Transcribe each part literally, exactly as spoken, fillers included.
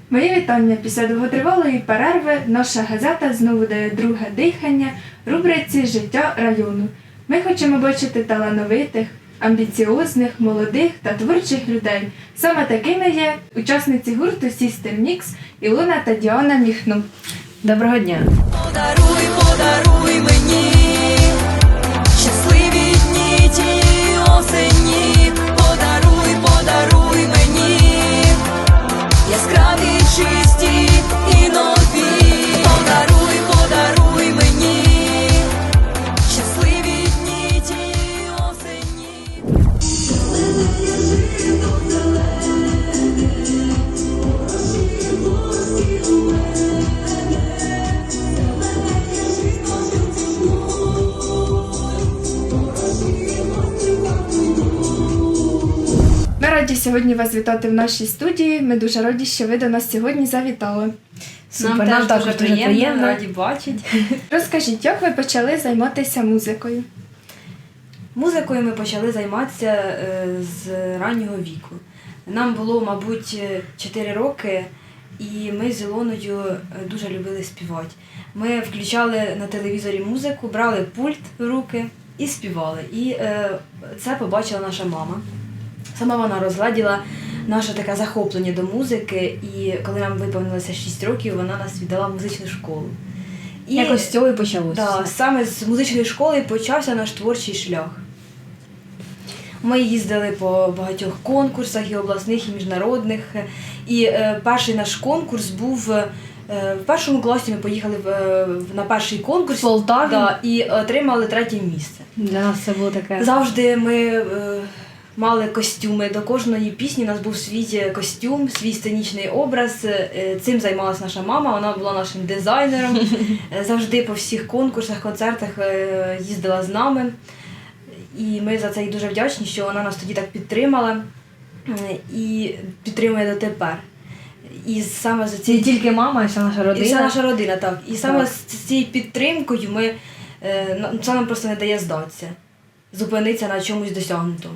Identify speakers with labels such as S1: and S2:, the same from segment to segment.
S1: Мої вітання. Після довготривалої перерви наша газета знову дає друге дихання рубриці «Життя району». Ми хочемо бачити талановитих, амбіціозних, молодих та творчих людей. Саме такими є учасниці гурту Sister Mix Ілона та Діана Міхно.
S2: Доброго дня!
S3: Подаруй, подаруй мені щасливі дні тієї осені. Подаруй, подаруй мені яскраві, чисті і нові. Подаруй, подаруй мені щасливі дні тієї осені.
S1: Ми раді сьогодні вас вітати в нашій студії. Ми дуже раді, що ви до нас сьогодні завітали.
S2: Супер, нам також дуже приємно.
S4: раді бачити.
S1: Розкажіть, як ви почали займатися музикою?
S4: Музикою ми почали займатися е, з раннього віку. Нам було, мабуть, чотири роки, і ми з Ілоною дуже любили співати. Ми включали на телевізорі музику, брали пульт в руки і співали. І е, це побачила наша мама. Сама вона розгладіла наше таке захоплення до музики, і коли нам виповнилося шість років, вона нас віддала в музичну школу. І,
S2: Якось з цього і почалося.
S4: Да, саме з музичної школи почався наш творчий шлях. Ми їздили по багатьох конкурсах, і обласних, і міжнародних. І е, перший наш конкурс був, е, в першому класі ми поїхали в, в, на перший конкурс
S2: В Полтаві?
S4: Да, і отримали третє місце.
S2: Для нас це було таке.
S4: Завжди ми е, мали костюми. До кожної пісні у нас був свій костюм, свій сценічний образ. Е, Цим займалась наша мама, вона була нашим дизайнером. Е, Завжди по всіх конкурсах, концертах е, їздила з нами. І ми за це їй дуже вдячні, що вона нас тоді так підтримала е, і підтримує дотепер. І саме за
S2: Не
S4: цією
S2: тільки мама, а вся наша родина.
S4: і вся наша родина, так. І саме
S2: Так.
S4: з цією підтримкою ми, е, на- це нам просто не дає здатися, зупинитися на чомусь досягнутому.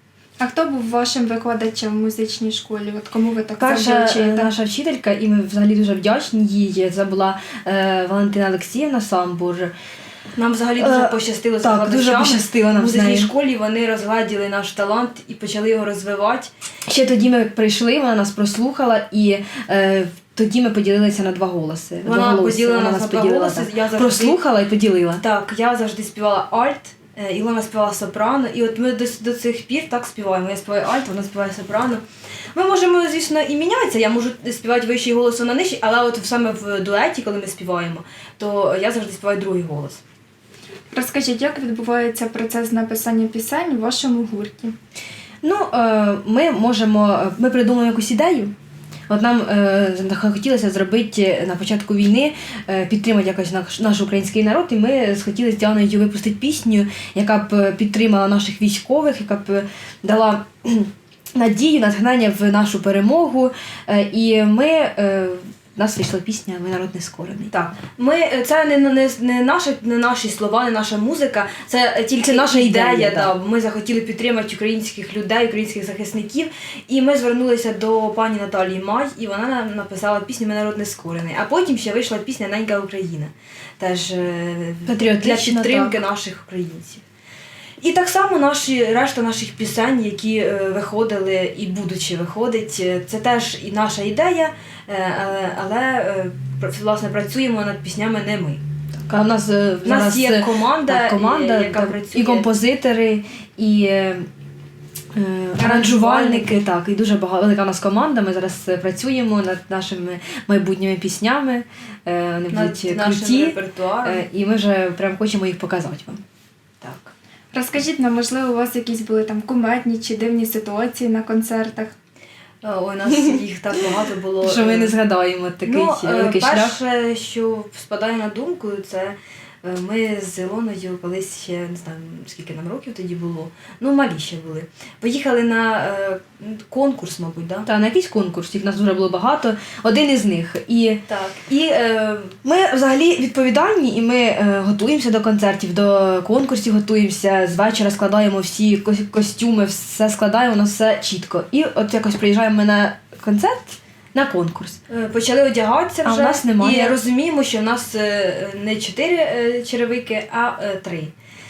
S1: А хто був вашим викладачем в музичній школі? От кому ви так
S2: Перша
S1: завжди
S2: е,
S1: вчите?
S2: наша вчителька, і ми взагалі дуже вдячні їй, це була е, Валентина Олексіївна Самбур.
S4: Нам взагалі дуже
S2: Е,
S4: пощастило з
S2: так, дуже
S4: викладачами.
S2: пощастило нам
S4: В
S2: з
S4: музичній
S2: нею.
S4: школі вони розгладіли наш талант і почали його розвивати.
S2: Ще тоді ми прийшли, вона нас прослухала, і е, тоді ми поділилися на два голоси.
S4: Вона
S2: Двоголосся.
S4: поділила
S2: Вона
S4: нас на два
S2: поділила,
S4: голоси,
S2: так.
S4: я завжди-
S2: Прослухала і поділила.
S4: Так, я завжди співала альт, е, Ілона співала сопрано, і от ми до, до цих пір так співаємо. Я співаю альт, вона співає сопрано. Ми можемо, звісно, і мінятися, я можу співати вищий голос, вона нижчий, але от саме в дуеті, коли ми співаємо, то я завжди співаю другий голос.
S1: Розкажіть, як відбувається процес написання пісень у вашому гурті?
S2: Ну, е, ми можемо, ми придумаємо якусь ідею. От нам е, хотілося зробити на початку війни, е, підтримати якось наш, наш український народ, і ми схотіли з Діаною випустити пісню, яка б підтримала наших військових, яка б дала надію, натхнення в нашу перемогу. Е, і ми, е, в нас вийшла пісня «Ми народ нескорений».
S4: Так, ми це не, не, не, наші, не наші слова, не наша музика, це тільки
S2: Це наша ідея,
S4: ідея.
S2: да.
S4: Да. Ми захотіли підтримати українських людей, українських захисників. І ми звернулися до пані Наталії Май, і вона нам написала пісню «Ми народ нескорений». А потім ще вийшла пісня «Ненька Україна», теж е, для
S2: Патріотична,
S4: підтримки
S2: так.
S4: наших українців. І так само наші, решта наших пісень, які е, виходили і будуть ще виходити, це теж і наша ідея, е, але, але е, пр- власне працюємо над піснями не ми.
S2: А в нас, е,
S4: У нас
S2: зараз,
S4: є
S2: е,
S4: команда,
S2: так, команда
S4: і- яка
S2: так,
S4: працює.
S2: і композитори, і е, е, аранжувальники, так, і дуже багато, велика у нас команда. Ми зараз е, працюємо над нашими майбутніми піснями, е, вони
S4: Над
S2: будуть
S4: нашим
S2: круті,
S4: репертуаром.
S2: е, і ми вже прям хочемо їх показати вам.
S4: Так.
S1: Розкажіть нам, можливо, у вас якісь були там кумедні чи дивні ситуації на концертах?
S4: Е, Ой, у нас їх так багато було.
S2: Що ми
S4: е,
S2: не згадаємо такий
S4: ну, е,
S2: великий шлях.
S4: перше, що спадає на думку, це е, ми з Ілоною колись ще, не знаю, скільки нам років тоді було, ну малі ще були. Поїхали на е, конкурс, мабуть, да?
S2: Та на якийсь конкурс, їх нас дуже було багато, один із них. І
S4: Так. І е,
S2: ми взагалі відповідальні, і ми е, готуємося до концертів, до конкурсів готуємося, з вечора складаємо всі кос- костюми, все складаємо, у нас все чітко. І от якось приїжджаємо ми на концерт, на конкурс.
S4: Е, Почали одягатися
S2: А
S4: вже
S2: в нас немає.
S4: і розуміємо, що в нас е, не чотири е, черевики, а е, три.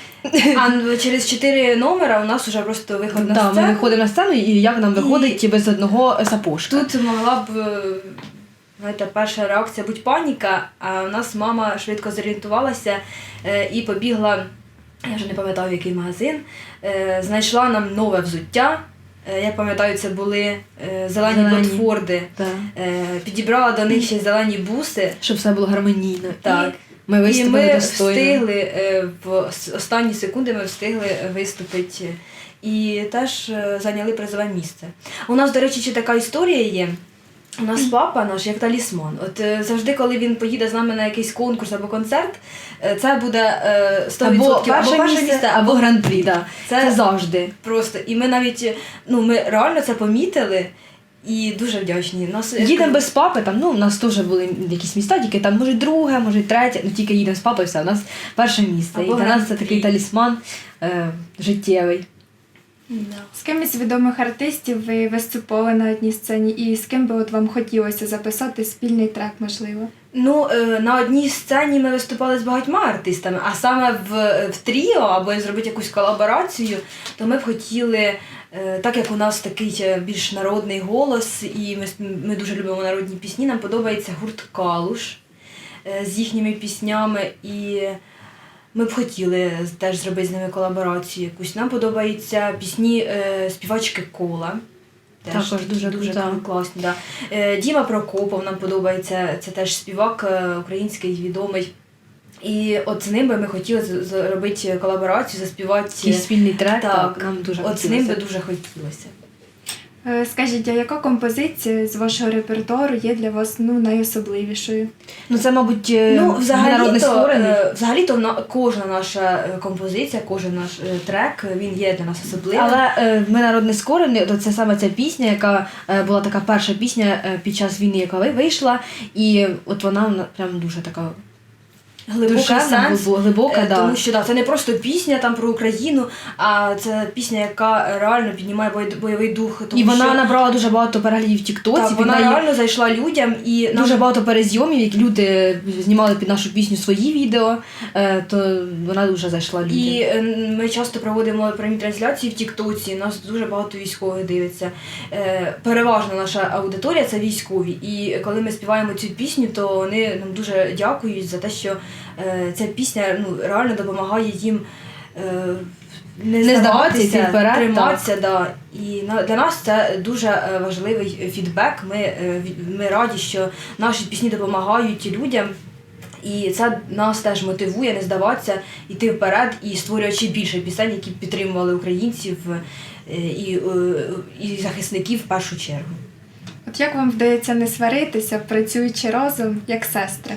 S4: А н- через чотири номера у нас вже просто виход на
S2: Да, ми
S4: сцену.
S2: виходимо на сцену, і як нам виходить без одного сапожка.
S4: Тут могла б, е, знаєте, перша реакція будь паніка, а у нас мама швидко зорієнтувалася е, і побігла, я вже не пам'ятаю, в який магазин, е, знайшла нам нове взуття. Е, Я пам'ятаю, це були е, зелені,
S2: Зелені.
S4: ботфорди.
S2: Да.
S4: Е, Підібрала до них ще зелені буси.
S2: Щоб все було гармонійно.
S4: Так.
S2: Ми
S4: І
S2: виступили
S4: ми
S2: достойно.
S4: встигли е, в с- останні секунди ми встигли виступити і теж е, зайняли призове місце. У нас, до речі, ще така історія є. У нас папа наш як талісман. От е, завжди, коли він поїде з нами на якийсь конкурс або концерт, е, це буде е, сто відсотків
S2: Або перше місце, або гран-прі. Да. Це,
S4: Це
S2: завжди.
S4: просто. І ми навіть ну ми реально це помітили і дуже вдячні. Нас
S2: Їдемо без папи, там, ну, у нас теж були якісь міста, тільки там, може, друге, може, третє, ну тільки їдемо з папою, все, у нас перше місце.
S4: Або
S2: і для нас це
S4: гран-прі.
S2: такий талісман е, життєвий.
S4: Да.
S1: З ким із відомих артистів ви виступали на одній сцені, і з ким би от вам хотілося записати спільний трек, можливо?
S4: Ну, е, на одній сцені ми виступали з багатьма артистами, а саме в, в тріо або зробити якусь колаборацію, то ми б хотіли, е, так як у нас такий е, більш народний голос, і ми, с- ми дуже любимо народні пісні, нам подобається гурт Калуш е, з їхніми піснями, і ми б хотіли теж зробити з ними колаборацію якусь. Нам подобаються пісні е, співачки Кола. Теж
S2: Також
S4: такі
S2: дуже
S4: дуже
S2: крута.
S4: класні. Да. Е, Діма Прокопов нам подобається, це теж співак е, український відомий. І от з ним би ми хотіли з- зробити колаборацію, заспівати.
S2: Такий спільний трек,
S4: Так,
S2: так, нам дуже
S4: от з ним би
S2: хотілося.
S4: дуже хотілося.
S1: Е, Скажіть, а яка композиція з вашого репертуару є для вас ну, найособливішою?
S2: Ну, це, мабуть, е,
S4: Ну, взагалі-то,
S2: народний створений.
S4: е, взагалі-то на, кожна наша е, композиція, кожен наш е, трек, він є для нас особливим.
S2: Але е, ми народний скорений, то це саме ця пісня, яка е, була така перша пісня е, під час війни, яка ви- вийшла, і от вона вона прям дуже така
S4: Глибокий
S2: душевна,
S4: сенс,
S2: глибо- глибока,
S4: е,
S2: да.
S4: тому що да, це не просто пісня там про Україну, а це пісня, яка реально піднімає бой- бойовий дух. Тому
S2: І вона
S4: що,
S2: набрала дуже багато переглядів в Тіктоці,
S4: так,
S2: під
S4: вона
S2: неї
S4: реально зайшла людям і нам
S2: дуже багато перезйомів, які люди знімали під нашу пісню свої відео, е, то вона дуже зайшла людям.
S4: І е, ми часто проводимо прямі трансляції в Тіктоці, нас дуже багато військових дивиться. Е, Переважно наша аудиторія це військові. І коли ми співаємо цю пісню, то вони нам дуже дякують за те, що е, ця пісня ну, реально допомагає їм е, не,
S2: Не здаватися,
S4: здаватися,
S2: йти вперед,
S4: триматися. Да. І на, для нас це дуже е, важливий фідбек. Ми, е, від- ми раді, що наші пісні допомагають людям. І це нас теж мотивує не здаватися, йти вперед і створювати ще більше пісень, які б підтримували українців е, і, е, і захисників в першу чергу.
S1: От як вам вдається не сваритися, працюючи разом, як сестри?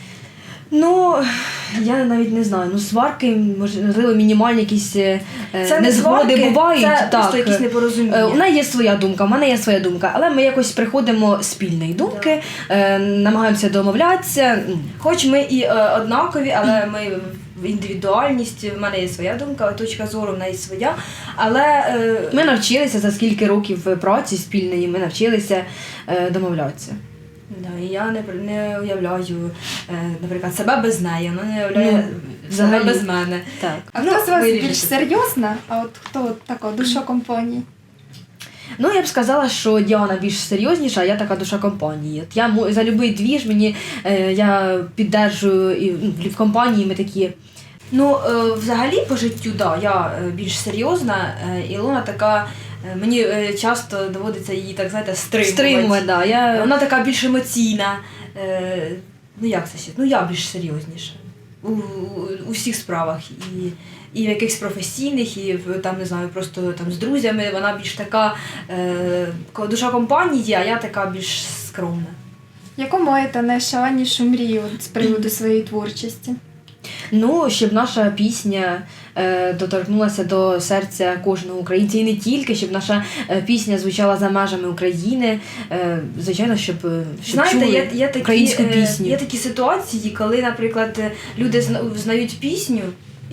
S2: Ну, я навіть не знаю. Ну, сварки, можливо, мінімальні якісь е,
S4: Це не
S2: незгоди
S4: сварки,
S2: бувають.
S4: це
S2: так.
S4: просто якісь непорозуміння.
S2: Е, У неї є своя думка, в мене є своя думка, але ми якось приходимо спільної думки, е, намагаємося домовлятися. Ну,
S4: Хоч ми і е, однакові, але ми в індивідуальність, в мене є своя думка, точка зору в неї своя. Але е,
S2: Ми навчилися за скільки років праці спільної, ми навчилися е, домовлятися.
S4: да, і я не, не уявляю, е, наприклад, себе без неї, вона не уявляє
S2: Ну,
S4: себе
S2: взагалі.
S4: без мене.
S2: Так.
S1: А
S4: Ну,
S1: хто з вас
S4: вирішите.
S1: більш серйозна, а от хто от така душа компанії?
S2: Ну, я б сказала, що Діана більш серйозніша, а я така душа компанії. От я мо- за будь-який двіж мені е, я піддержую і ну, в компанії ми такі.
S4: Ну, е, взагалі по життю, да, я е, більш серйозна, е, Ілона така, е, мені е, часто доводиться її, так знаєте, стримувати.
S2: Стримує, да. Я...
S4: Вона така більш емоційна. Е, ну як це ще? Ну я більш серйозніша. У, у, у всіх справах. І, і в якихось професійних, і в, там, не знаю, просто там з друзями. Вона більш така е, ко- душа компанії, а я така більш скромна.
S1: Яку маєте найшаленішу мрію от з приводу своєї творчості?
S2: Ну, щоб наша пісня е, доторкнулася до серця кожного українця і не тільки, щоб наша е, пісня звучала за межами України. Е, звичайно, щоб, е, щоб
S4: Знаєте,
S2: чули
S4: є, є, такі,
S2: українську
S4: е,
S2: пісню.
S4: є такі ситуації, коли, наприклад, люди зна- знають пісню,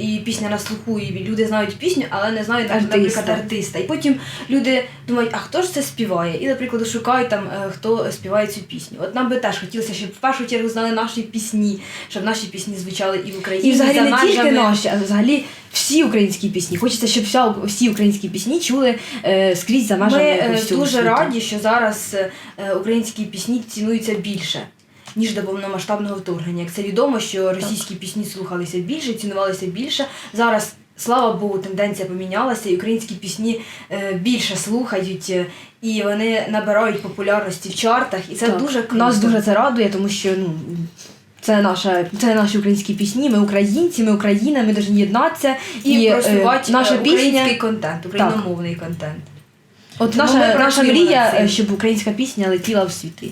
S4: і пісня на слуху, і люди знають пісню, але не знають,
S2: Артиста.
S4: наприклад, артиста. І потім люди думають, а хто ж це співає? І, наприклад, шукають там, е, хто співає цю пісню. От нам би теж хотілося, щоб в першу чергу знали наші пісні, щоб наші пісні звучали і в Україні,
S2: І взагалі
S4: за
S2: не тільки
S4: межами.
S2: наші, а взагалі всі українські пісні. Хочеться, щоб вся, всі українські пісні чули е, скрізь за
S4: Ми
S2: межами
S4: е,
S2: якогось цього
S4: дуже
S2: світу.
S4: раді, що зараз е, українські пісні цінуються більше, ніж до повномасштабного вторгнення. Як це відомо, що російські пісні слухалися більше, цінувалися більше. Зараз, слава Богу, тенденція помінялася, і українські пісні е, більше слухають, е, і вони набирають популярності в чартах, і це
S2: Так.
S4: дуже круто.
S2: Нас дуже це радує, тому що ну, це, наша, це наші українські пісні, ми українці, ми Україна, ми повинні єднатися.
S4: і,
S2: е,
S4: просувати
S2: наша
S4: е, український
S2: пісня.
S4: контент, україномовний контент.
S2: От
S4: Тому
S2: наша,
S4: ми
S2: наша
S4: працюємо
S2: мрія,
S4: над цим.
S2: е, щоб українська пісня летіла в світи.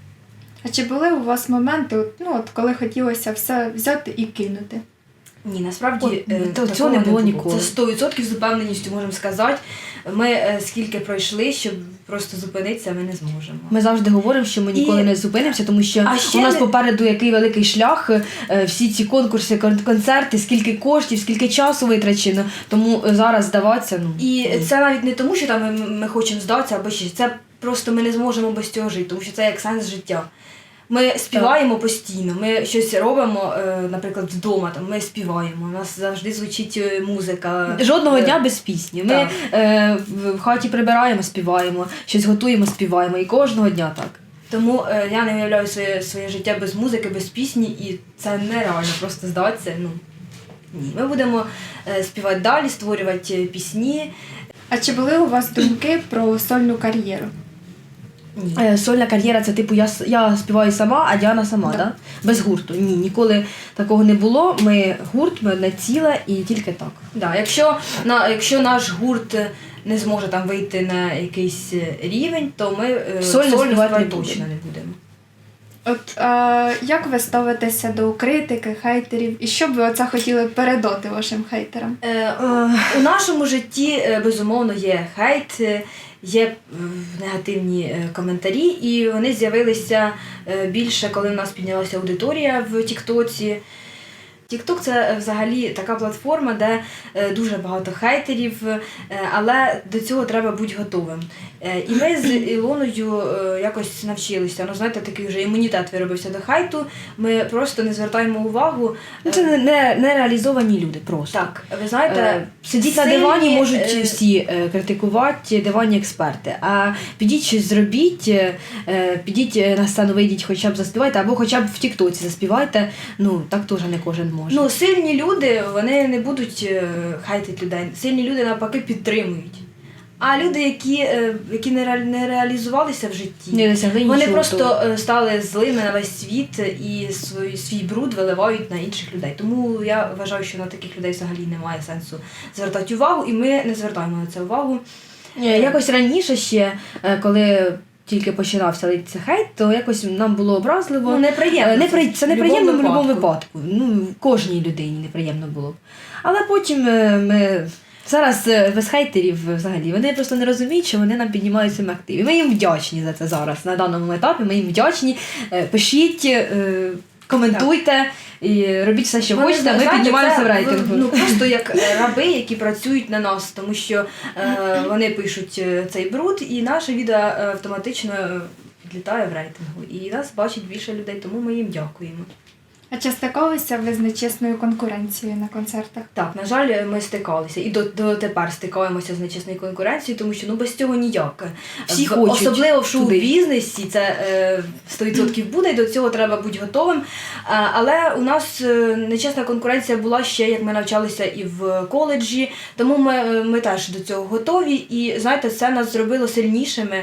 S1: А чи були у вас моменти, от, ну, от, коли хотілося все взяти і кинути?
S4: Ні, насправді
S2: От,
S4: е,
S2: то
S4: такого
S2: цього не було ніколи.
S4: Це сто відсотків з упевненістю можемо сказати. Ми е, скільки пройшли, щоб просто зупинитися, ми не зможемо.
S2: Ми завжди говоримо, що ми ніколи
S4: І-
S2: не зупинимося, тому що
S4: А ще
S2: у нас
S4: не-
S2: попереду який великий шлях, е, всі ці конкурси, кон- концерти, скільки коштів, скільки часу витрачено. Тому е, зараз здаватися, ну
S4: І
S2: ні.
S4: це навіть не тому, що там ми, ми хочемо здатися або ще. Це просто ми не зможемо без цього жити, тому що це як сенс життя. Ми співаємо постійно, ми щось робимо, е, наприклад, вдома, там, ми співаємо, у нас завжди звучить е, музика.
S2: Жодного
S4: Е,
S2: дня без пісні. Ми
S4: так.
S2: е, в в хаті прибираємо, співаємо, щось готуємо, співаємо. І кожного дня так.
S4: Тому е, я не уявляю своє, своє життя без музики, без пісні, і це нереально просто здатися. Ну, ні. Ми будемо е, співати далі, створювати е, пісні.
S1: А чи були у вас думки про сольну кар'єру?
S4: Ні.
S2: Е, Сольна кар'єра це типу я, с- я співаю сама, а Діана сама,
S1: Да.
S2: да. Без гурту. Ні, ніколи такого не було. Ми гурт, ми одне ціле і тільки так.
S4: Да, якщо, на, якщо наш гурт е, не зможе там вийти на якийсь е, рівень, то ми е,
S2: Сольно співати не
S4: співати
S2: будемо.
S4: точно не будемо.
S1: От е, як ви ставитеся до критики, хейтерів, і що б ви оце хотіли передати вашим хейтерам?
S4: Е, е, у нашому житті, е, безумовно, є хейт, е, є е, негативні е, коментарі, і вони з'явилися е, більше, коли в нас піднялася аудиторія в Тіктоці. Тікток це е, взагалі така платформа, де е, дуже багато хейтерів, е, але до цього треба бути готовим. Е, І ми з Ілоною е, якось навчилися. Ну, знаєте, такий вже імунітет виробився до хейту. Ми просто не звертаємо увагу.
S2: Ну, це не, не, не реалізовані люди просто.
S4: Так, ви знаєте,
S2: Е, Сидіть на
S4: сильні,
S2: дивані, можуть
S4: е,
S2: всі е, критикувати, диванні експерти. А підіть щось зробіть, е, підіть е, на сцену, вийдіть, хоча б заспівайте, або хоча б в Тіктоці заспівайте. Ну, так теж не кожен може.
S4: Ну, сильні люди, вони не будуть е, хейтити людей. Сильні люди навпаки підтримують. А люди, які, е, які не, ре, не реалізувалися в житті,
S2: не досягли
S4: вони
S2: нічого
S4: просто
S2: того.
S4: е, стали злими на весь світ і свій, свій бруд виливають на інших людей. Тому я вважаю, що на таких людей взагалі немає сенсу звертати увагу, і ми не звертаємо на це увагу.
S2: Е, Якось раніше ще, е, коли тільки починався литися хейт, то якось нам було образливо.
S4: Ну, неприємно.
S2: Е, непри... Це
S4: в
S2: неприємно в
S4: будь-якому
S2: будь-якому випадку. Ну, кожній людині неприємно було. Але потім е, ми. Зараз е, без хейтерів е, взагалі. Вони просто не розуміють, що вони нам піднімають своїм активі. Ми їм вдячні за це зараз. На даному етапі ми їм вдячні. Е, Пишіть, е, коментуйте і робіть все, що
S4: Вони,
S2: хочете, ми
S4: знаєте,
S2: піднімаємося
S4: це,
S2: в рейтингу.
S4: Ну, просто як е, раби, які працюють на нас, тому що е, вони пишуть е, цей бруд, і наше відео е, автоматично е, підлітає в рейтингу. І нас бачить більше людей, тому ми їм дякуємо.
S1: А чи стикалися ви з нечесною конкуренцією на концертах?
S4: Так, на жаль, ми стикалися і до, до тепер стикаємося з нечесною конкуренцією, тому що ну без цього ніяк.
S2: Всі
S4: В-
S2: хочуть
S4: особливо в
S2: туди.
S4: шоу-бізнесі це е, сто відсотків буде, і до цього треба бути готовим. А, але у нас е, нечесна конкуренція була ще, як ми навчалися і в коледжі, тому ми, е, ми теж до цього готові. І знаєте, це нас зробило сильнішими.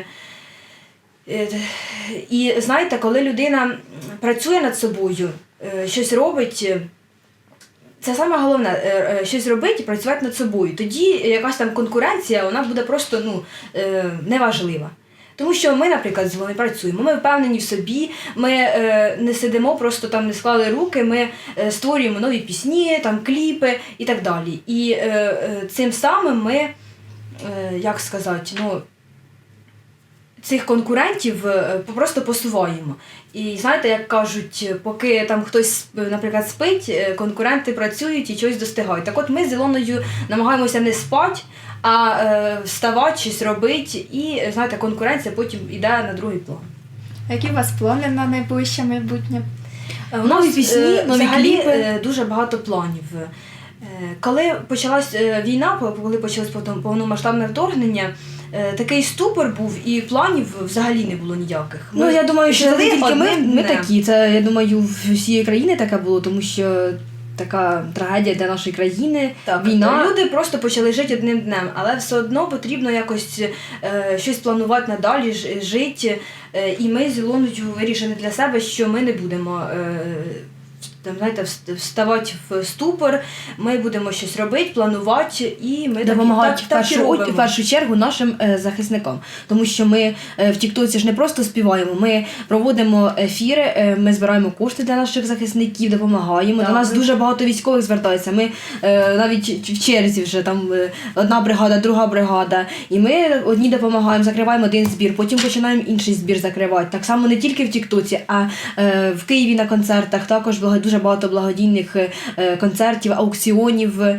S4: Е, І знаєте, коли людина працює над собою, е, щось робить. е, Це саме головне, е, е, щось робити і працювати над собою. Тоді якась там конкуренція, вона буде просто ну, е, неважлива. Тому що ми, наприклад, з вами працюємо, ми впевнені в собі, ми е, не сидимо, просто там не склали руки, ми е, створюємо нові пісні, там, кліпи і так далі. І е, е, цим самим ми, е, як сказати, ну, цих конкурентів е, просто посуваємо. І знаєте, як кажуть, поки там хтось, наприклад, спить, е, конкуренти працюють і щось достигають. Так от ми з Ілоною намагаємося не спати, а е, вставати, щось робити, і знаєте, конкуренція потім йде на другий план.
S1: Які у вас плани на найближче майбутнє?
S4: У
S2: Нові
S4: нас,
S2: пісні,
S4: е,
S2: нові
S4: взагалі,
S2: кліпи.
S4: е, дуже багато планів. Е, Коли почалась е, війна, коли почалось повно- повномасштабне вторгнення, е, такий ступор був і планів взагалі не було ніяких.
S2: Ну, я думаю, що не
S4: жили
S2: тільки ми,
S4: одним
S2: ми
S4: днем.
S2: такі. Це, я думаю, в всієї країни таке було, тому що така трагедія для нашої країни,
S4: Так,
S2: війна.
S4: люди просто почали жити одним днем, але все одно потрібно якось е, щось планувати надалі, ж- жити. Е, і ми з Ілоною вирішили для себе, що ми не будемо е, там, знаєте, вст- вставати в ступор, ми будемо щось робити, планувати, і ми так і-
S2: Допомагають
S4: так,
S2: в,
S4: так, і
S2: першу,
S4: робимо.
S2: в першу чергу нашим е, захисникам. Тому що ми е, в Тіктоці ж не просто співаємо, ми проводимо ефіри, е, ми збираємо кошти для наших захисників, допомагаємо.
S4: Так,
S2: До нас
S4: ми-
S2: дуже багато військових звертається. Ми е, навіть в черзі вже там е, одна бригада, друга бригада. І ми одні допомагаємо, закриваємо один збір, потім починаємо інший збір закривати. Так само не тільки в Тіктоці, а е, в Києві на концертах також благо- дуже багато благодійних е, концертів, аукціонів. Е,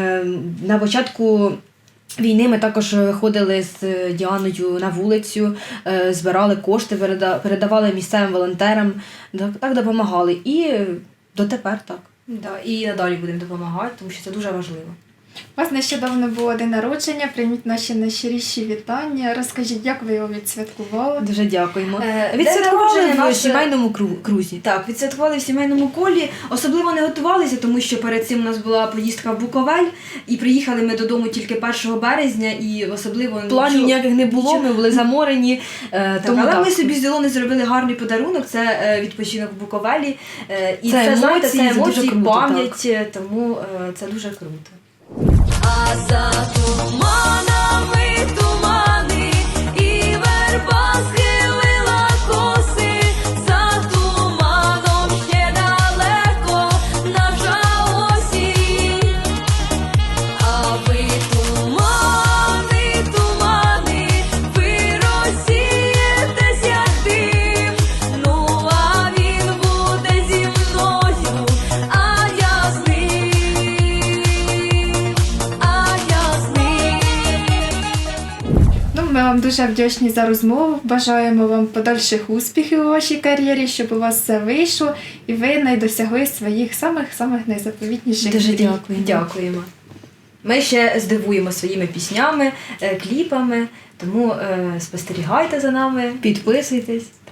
S2: на початку війни ми також виходили з Діаною на вулицю, е, збирали кошти, переда- передавали місцевим волонтерам, так, так допомагали. І дотепер так.
S4: Да, і надалі будемо допомагати, тому що це дуже важливо.
S1: У вас нещодавно було день народження, прийміть наші найщиріші вітання. Розкажіть, як ви його відсвяткували?
S2: Дуже дякуємо.
S4: Е, день
S2: Відсвяткували
S4: народження
S2: в
S4: наше-
S2: сімейному кру- крузі.
S4: Так, відсвяткували в сімейному колі. Особливо не готувалися, тому що перед цим у нас була поїздка в Буковель, і приїхали ми додому тільки першого березня, і особливо
S2: Планів
S4: нічого-
S2: ніяких не було,
S4: нічого-
S2: ми були заморені. е,
S4: Так,
S2: тому
S4: але
S2: так.
S4: ми собі з Ілоною зробили гарний подарунок, це е, відпочинок в Буковелі. Е, і
S2: Це
S4: це, знаєте,
S2: емоції,
S4: це
S2: це дуже
S4: емоції,
S2: круто,
S4: пам'ять, е, тому е, це дуже круто.
S3: А за туманами тумани, і верба схилила коси, за туманом ще далеко наша осінь. А ви тумани, тумани, ви розсієтесь, як дим. Ну, а він буде зі мною, а я з ним, а я з ним.
S1: Ну, ми вам дуже вдячні за розмову. Бажаємо вам подальших успіхів у вашій кар'єрі, щоб у вас все вийшло і ви не досягли своїх самих-самих найзаповітніших
S2: Дуже
S1: мрій.
S2: дякую.
S4: Дякуємо. Ми ще здивуємо своїми піснями, е, кліпами, тому е, спостерігайте за нами.
S2: Підписуйтесь.